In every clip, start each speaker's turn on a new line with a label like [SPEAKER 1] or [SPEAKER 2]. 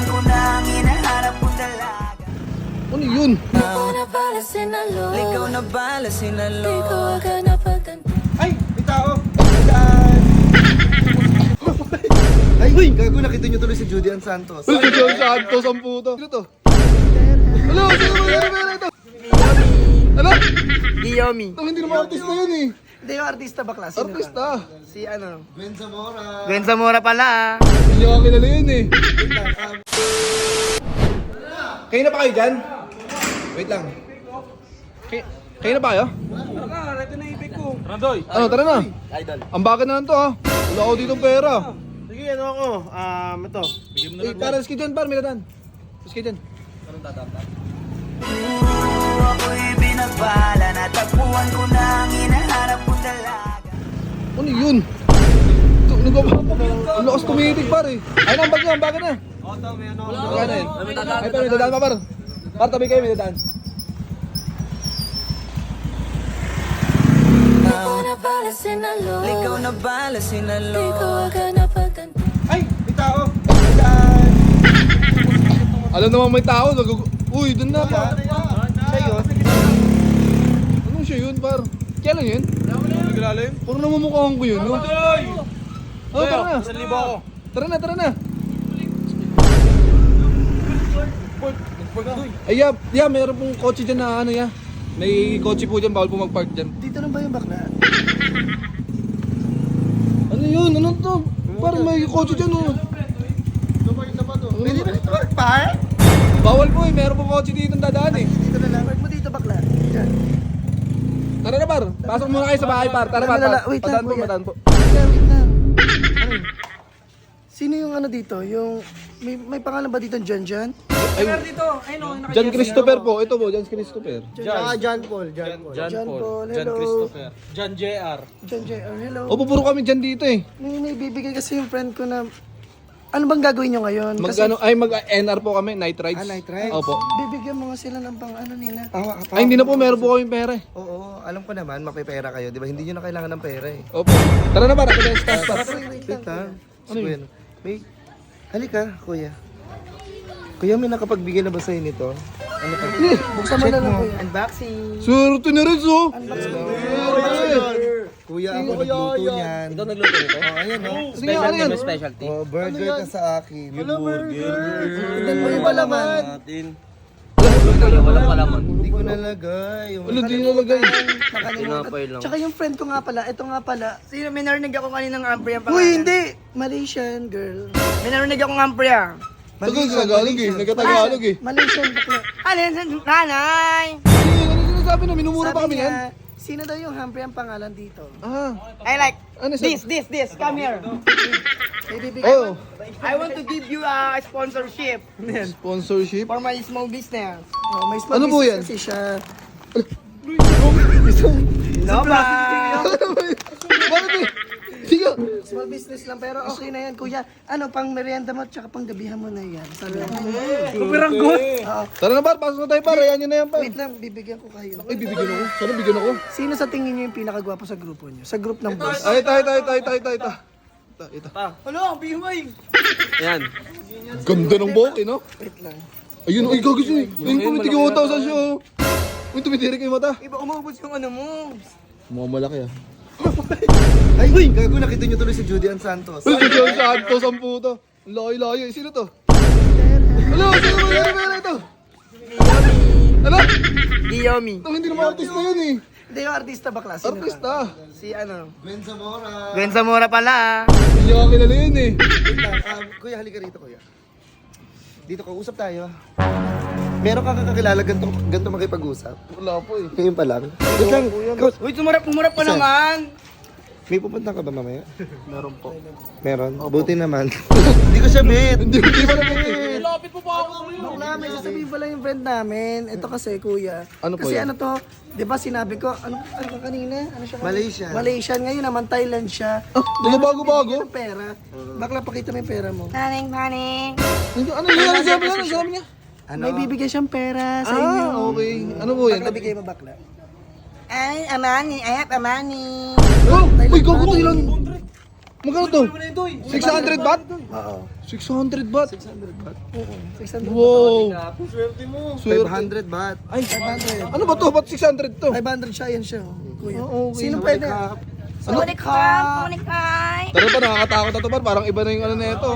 [SPEAKER 1] Natagpuan ko na ang hinahanap kong dalaga.
[SPEAKER 2] Ano yun?
[SPEAKER 3] Ikaw na pala sinalo.
[SPEAKER 1] Ligaw na bala sinalo.
[SPEAKER 3] Di ko agad napaganti.
[SPEAKER 4] Ay! May tao! Ay! Uy! Gago, nakita nyo tuloy si Judy Ann Santos.
[SPEAKER 2] Ano si John Santos ang puto? Sino to? Ano? Sino ba yan? Ito? Ano?
[SPEAKER 5] Guillaume.
[SPEAKER 2] Ang hindi naman artista yun eh.
[SPEAKER 5] Hindi yung artista bakla. Sino
[SPEAKER 2] Artista.
[SPEAKER 5] ka? Si ano?
[SPEAKER 4] Gwen Zamora.
[SPEAKER 5] Gwen Zamora pala ah.
[SPEAKER 2] Hindi ako kilala yun eh. Kayo na pa kayo dyan? Wait lang. Kayo na pa kayo? Ano, tara na.
[SPEAKER 5] Idol.
[SPEAKER 2] Ang bakit na lang to ha. Wala ako dito pera.
[SPEAKER 4] Sige, ano ako? Ito. Bigyan mo
[SPEAKER 2] Eh, para riski dyan, par, may dadaan. Riski dyan.
[SPEAKER 1] Ako'y binabala. Natagpuan ko na ang hinahanap kong dalaga.
[SPEAKER 2] Ano yun? Ang lakas tumitig par eh. Ay na, ang bag na, ang bag na. Wala na yun. Ay, par, may dadaan pa par. Par, tabi kayo, may dadaan.
[SPEAKER 3] Ikaw na pala sinalo.
[SPEAKER 1] Ligaw na bala
[SPEAKER 3] Di ko
[SPEAKER 1] sinalo.
[SPEAKER 3] agad napaganti.
[SPEAKER 4] Ay! May tao!
[SPEAKER 2] Alam naman may tao. Uy, dun na par.
[SPEAKER 4] Siya yun?
[SPEAKER 2] Anong siya yun par? Kailan yun? Puro namumukhaan ko yun. No? Oh, tara na. Tara na, tara na. Ay, yeah, meron pong kotse dyan na ano ya. May kotse po dyan, bawal po mag-park dyan.
[SPEAKER 5] Dito lang ba yung bakla?
[SPEAKER 2] Ano yun? Ano to? Parang may kotse dyan oh.
[SPEAKER 4] Pwede ba ito mag-park?
[SPEAKER 2] Bawal po eh, meron pong kotse dito ang dadaan eh.
[SPEAKER 5] Dito na lang. Park mo dito bakla. Diyan.
[SPEAKER 2] Tara na par, pasok muna kayo sa bahay par. Tara par,
[SPEAKER 5] Wait lang,
[SPEAKER 2] madaan po,
[SPEAKER 5] kuya.
[SPEAKER 2] madaan po.
[SPEAKER 5] Wait lang. Sino yung ano dito? Yung may pangalan ba dito John John?
[SPEAKER 2] Ay, John Christopher po, ito po, John Christopher.
[SPEAKER 4] John Paul.
[SPEAKER 5] John Paul. Hello.
[SPEAKER 4] John JR.
[SPEAKER 5] John J.R. Hello.
[SPEAKER 2] Opo, puro kami dyan dito eh.
[SPEAKER 5] May bibigay kasi yung friend ko na ano bang gagawin nyo ngayon? Kasi
[SPEAKER 2] Mag-NR po kami, night rides.
[SPEAKER 4] Night rides?
[SPEAKER 2] Opo.
[SPEAKER 5] bibigyan mo nga sila ng pang ano nila.
[SPEAKER 2] Ay, hindi na po, meron po kami pera eh.
[SPEAKER 4] Oo, alam ko naman, mapipera kayo, di ba? Hindi nyo na kailangan ng pera eh.
[SPEAKER 2] Opo. Tara na par, ako na yung staff.
[SPEAKER 5] Wait lang.
[SPEAKER 4] Ha?
[SPEAKER 2] Ano yun?
[SPEAKER 4] Bueno. May... Halika, kuya. Kuya, may nakapagbigay na ba sa'yo nito? Ano pa?
[SPEAKER 5] Buksan mo na lang kuya.
[SPEAKER 4] Unboxing!
[SPEAKER 2] Swerte na rin so.
[SPEAKER 4] Kuya, ako nagluto niyan. Ikaw nagluto nito? Oo, ayan o.
[SPEAKER 2] Sige, ano yan?
[SPEAKER 5] Specialty.
[SPEAKER 4] Oh, burger ka sa akin.
[SPEAKER 5] Tignan mo yung palaman. Walang palaman.
[SPEAKER 4] Hindi ko nalagay.
[SPEAKER 2] Ano, di nalagay.
[SPEAKER 5] Tsaka yung friend ko nga pala, ito nga pala.
[SPEAKER 6] Sino, may narinig ako kaninang ampre ang
[SPEAKER 5] Uy,
[SPEAKER 6] pangalan.
[SPEAKER 5] hindi! Malaysian girl.
[SPEAKER 6] May narinig akong ampre ah.
[SPEAKER 2] Tagalog eh, nagkatagalog eh.
[SPEAKER 5] Malaysian bakla.
[SPEAKER 6] Ano yun, nanay?
[SPEAKER 2] Ano sinasabi na, minumura pa
[SPEAKER 5] Sabi
[SPEAKER 2] kami yan?
[SPEAKER 5] niya, sino daw yung Humphrey ang pangalan dito?
[SPEAKER 2] Ah,
[SPEAKER 6] I like
[SPEAKER 2] ano sabi?
[SPEAKER 6] this, come here.
[SPEAKER 5] May bibigay
[SPEAKER 2] Oh,
[SPEAKER 6] I want to give you a sponsorship
[SPEAKER 2] sponsorship.
[SPEAKER 6] for my small business.
[SPEAKER 5] Oh, may small
[SPEAKER 2] Ano po
[SPEAKER 5] business
[SPEAKER 2] yan?
[SPEAKER 5] kasi siya.
[SPEAKER 6] No ba?
[SPEAKER 2] Bakit eh? Sige.
[SPEAKER 5] Small business lang pero okay na yan kuya. Ano, pang merienda mo tsaka pang gabihan mo na yan. Sabi niya. Oo.
[SPEAKER 2] Tara na par, pasok na tayo par, ayan nyo na yan par.
[SPEAKER 5] Wait lang, bibigyan ko kayo.
[SPEAKER 2] Ay, bibigyan ako. Sana bigyan ako.
[SPEAKER 5] Sino sa tingin niyo yung pinakagwapo sa grupo niyo? Sa group ng boys?
[SPEAKER 2] Ay, ito.
[SPEAKER 6] Ano, bihumay.
[SPEAKER 2] Ganda ng buhok eh, no?
[SPEAKER 5] Wait lang.
[SPEAKER 2] Ayun, ay gagawin siya eh. Ayun, tumitig yung mata sa siya. oh. Uy, tumitirik yung mata.
[SPEAKER 6] Iba umubos yung ano mo.
[SPEAKER 2] Mukhang malaki ah.
[SPEAKER 4] Ay, uy! Gago, nakita nyo tuloy si Judy Ann Santos.
[SPEAKER 2] Uy, si John Santos ang puto. Ang layo-layo. Sino to? Ano? Sino ba yan? Ito? Ano?
[SPEAKER 6] Guillaume.
[SPEAKER 2] Ang hindi naman artista yun eh.
[SPEAKER 5] Hindi yung artista bakla. Sino ka?
[SPEAKER 2] Artista.
[SPEAKER 6] Si ano?
[SPEAKER 4] Gwen Zamora.
[SPEAKER 6] Gwen Zamora pala ah.
[SPEAKER 2] Hindi ako kilala yun eh.
[SPEAKER 4] Wait lang, kuya, halika rito, kuya. Dito ka, usap tayo. Meron ka kakakilala ganito makipag-usap?
[SPEAKER 2] Wala po eh.
[SPEAKER 4] Ngayon pa lang. Wait lang,
[SPEAKER 6] Uy, tumarap pa
[SPEAKER 4] Saan?
[SPEAKER 6] naman.
[SPEAKER 4] may pupunta ka ba mamaya?
[SPEAKER 2] Meron po.
[SPEAKER 4] Meron? Buti naman. Hindi ko siya bet.
[SPEAKER 2] Hindi pa naman eh.
[SPEAKER 5] Bakla, may sasabihin pala yung friend namin. Ito kasi kuya.
[SPEAKER 2] Ano po
[SPEAKER 5] kasi
[SPEAKER 2] yan?
[SPEAKER 5] ano to, di ba sinabi ko, ano ba kanina? Ano siya? kanina?
[SPEAKER 4] Malaysian.
[SPEAKER 5] Malaysian. Ngayon naman Thailand siya.
[SPEAKER 2] Ano bago-bago?
[SPEAKER 5] Bibigyan ng pera. Bakla, pakita mo yung pera mo.
[SPEAKER 6] Naning.
[SPEAKER 2] Ano yun? Ano sabi niya? Ano sabi niya?
[SPEAKER 4] Ano?
[SPEAKER 5] May bibigyan siyang pera sa inyo.
[SPEAKER 2] Ah, okay. Ano po yan?
[SPEAKER 5] Bakla, bigay mo bakla.
[SPEAKER 6] Ay, amani. I have amani.
[SPEAKER 2] Oh! Uy, gago Thailand! Magkano to? 600 baht?
[SPEAKER 4] Oo.
[SPEAKER 2] 600 baht?
[SPEAKER 5] 600 baht. Oo, 600
[SPEAKER 2] Wow!
[SPEAKER 6] Swerte mo.
[SPEAKER 2] Swerte.
[SPEAKER 4] 500 baht.
[SPEAKER 2] Ay, ano ba to? Ba't 600 to?
[SPEAKER 5] 500 siya, yan siya. Oh. Kuya.
[SPEAKER 2] Oo, okay.
[SPEAKER 5] Sino pwede?
[SPEAKER 7] Sulit ka, sulit ka.
[SPEAKER 2] Tara pa, nakakatakot na to par. Parang iba na yung ano na ito.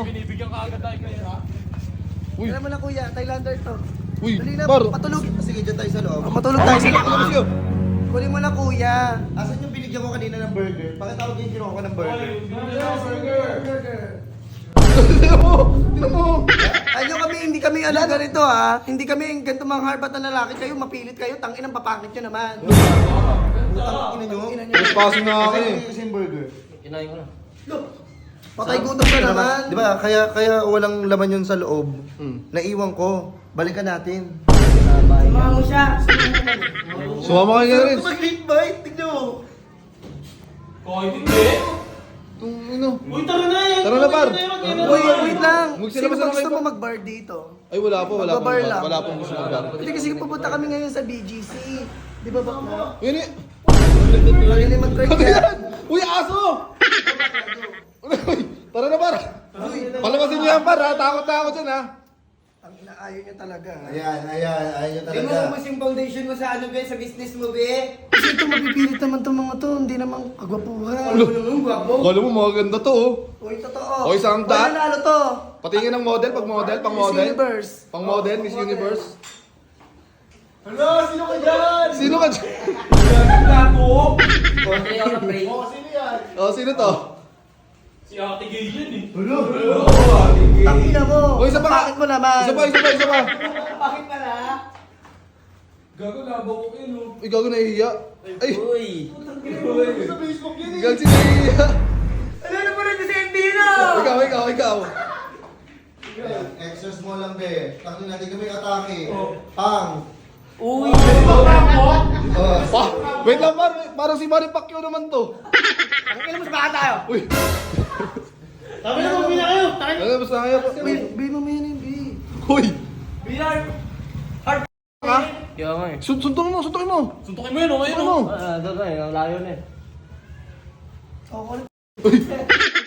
[SPEAKER 2] Uy.
[SPEAKER 5] Alam mo na kuya, Thailander to.
[SPEAKER 2] Uy,
[SPEAKER 5] Dali na,
[SPEAKER 2] par.
[SPEAKER 5] patulog.
[SPEAKER 4] Sige, dyan tayo sa loob.
[SPEAKER 5] Matulog tayo sa loob.
[SPEAKER 2] Let's go.
[SPEAKER 5] Kunin mo na kuya.
[SPEAKER 4] Asan yung binigyan ko kanina ng burger? Pakitawag yung kinuha ko ng burger.
[SPEAKER 2] Tignan mo! Tignan mo!
[SPEAKER 5] Ayun kami, hindi kami ano ganito ha. Hindi kami ganito mga harbat na lalaki kayo, mapilit kayo, tangin ang papakit nyo naman.
[SPEAKER 4] Ina nyo?
[SPEAKER 2] Trespassing na ako eh.
[SPEAKER 4] Kasi yung burger.
[SPEAKER 5] Patay gutom ka naman.
[SPEAKER 4] Di ba? Kaya walang laman yun sa loob. Naiwan ko. Balikan natin.
[SPEAKER 6] Samahan mo siya.
[SPEAKER 2] Sumama ka nga rin.
[SPEAKER 4] Mag-late bite. Tignan mo.
[SPEAKER 2] Itong ano.
[SPEAKER 6] Uy, tara na yan.
[SPEAKER 2] Tara na par.
[SPEAKER 5] Uy, wait lang.
[SPEAKER 2] Magsila
[SPEAKER 5] Sino
[SPEAKER 2] ba
[SPEAKER 5] ba
[SPEAKER 2] sila
[SPEAKER 5] gusto
[SPEAKER 2] kayo?
[SPEAKER 5] mo mag-bar dito?
[SPEAKER 2] Ay wala po, wala po.
[SPEAKER 5] Magbabar lang.
[SPEAKER 2] Wala pong gusto mag-bar.
[SPEAKER 5] Hindi kasi pupunta kami ngayon sa BGC. Di ba bakla?
[SPEAKER 2] Yun eh.
[SPEAKER 5] Pagili mag-try
[SPEAKER 2] Ano
[SPEAKER 5] ka.
[SPEAKER 2] yan? Uy, aso! Uy, tara na par. Palabasin niyo yan par ha. Takot na ako dyan ha.
[SPEAKER 5] Ang inaayaw niya talaga.
[SPEAKER 4] Ayan. Ayun
[SPEAKER 6] Di mo
[SPEAKER 4] talaga.
[SPEAKER 6] ubus yung foundation mo sa ano, be, sa business mo, be.
[SPEAKER 5] Kasi ito mapipilit naman itong mga to. Hindi naman kagwapuhan.
[SPEAKER 6] Ano naman, guwapo.
[SPEAKER 2] Kala mo maganda to oh.
[SPEAKER 5] Uy, totoo.
[SPEAKER 2] Oy, isang
[SPEAKER 5] Wala
[SPEAKER 2] dot.
[SPEAKER 5] nanalo to.
[SPEAKER 2] Patingin ng model, pag model, pang
[SPEAKER 5] Miss
[SPEAKER 2] model.
[SPEAKER 5] Universe.
[SPEAKER 2] Pang model, Miss Universe.
[SPEAKER 6] Ano, sino ka dyan?
[SPEAKER 2] Sino ka dyan?
[SPEAKER 6] Gago. Hindi ako na-pray.
[SPEAKER 2] Oh, sino to?
[SPEAKER 5] Tangina mo.
[SPEAKER 2] Uy, isa pa.
[SPEAKER 5] Bakit mo naman?
[SPEAKER 2] Isa pa.
[SPEAKER 6] Bakit pala?
[SPEAKER 2] Uy, gago nahihiya. Ay,
[SPEAKER 6] Uy.
[SPEAKER 2] gago si nahihiya.
[SPEAKER 6] Ano na pa rin si Endino?
[SPEAKER 2] Ikaw.
[SPEAKER 4] Exercise mo lang, be. Tangin natin kami atake. Pang.
[SPEAKER 6] Uy.
[SPEAKER 2] Pa, wait lang par. Parang si Manny Pacquiao naman to.
[SPEAKER 6] Ang ilan mas baka tayo?
[SPEAKER 2] Uy,
[SPEAKER 6] Sabi na mo, bina kayo.
[SPEAKER 2] ano basta kaya pa?
[SPEAKER 5] Bi mo yan yung bi.
[SPEAKER 2] Uy,
[SPEAKER 6] Binar.
[SPEAKER 2] ha?
[SPEAKER 6] Kaya nga eh.
[SPEAKER 2] Suntukin mo.
[SPEAKER 6] Suntukin mo yun, okay
[SPEAKER 2] Ano?
[SPEAKER 6] Doon na eh, ang layo na eh.
[SPEAKER 5] Okay.
[SPEAKER 2] Uy,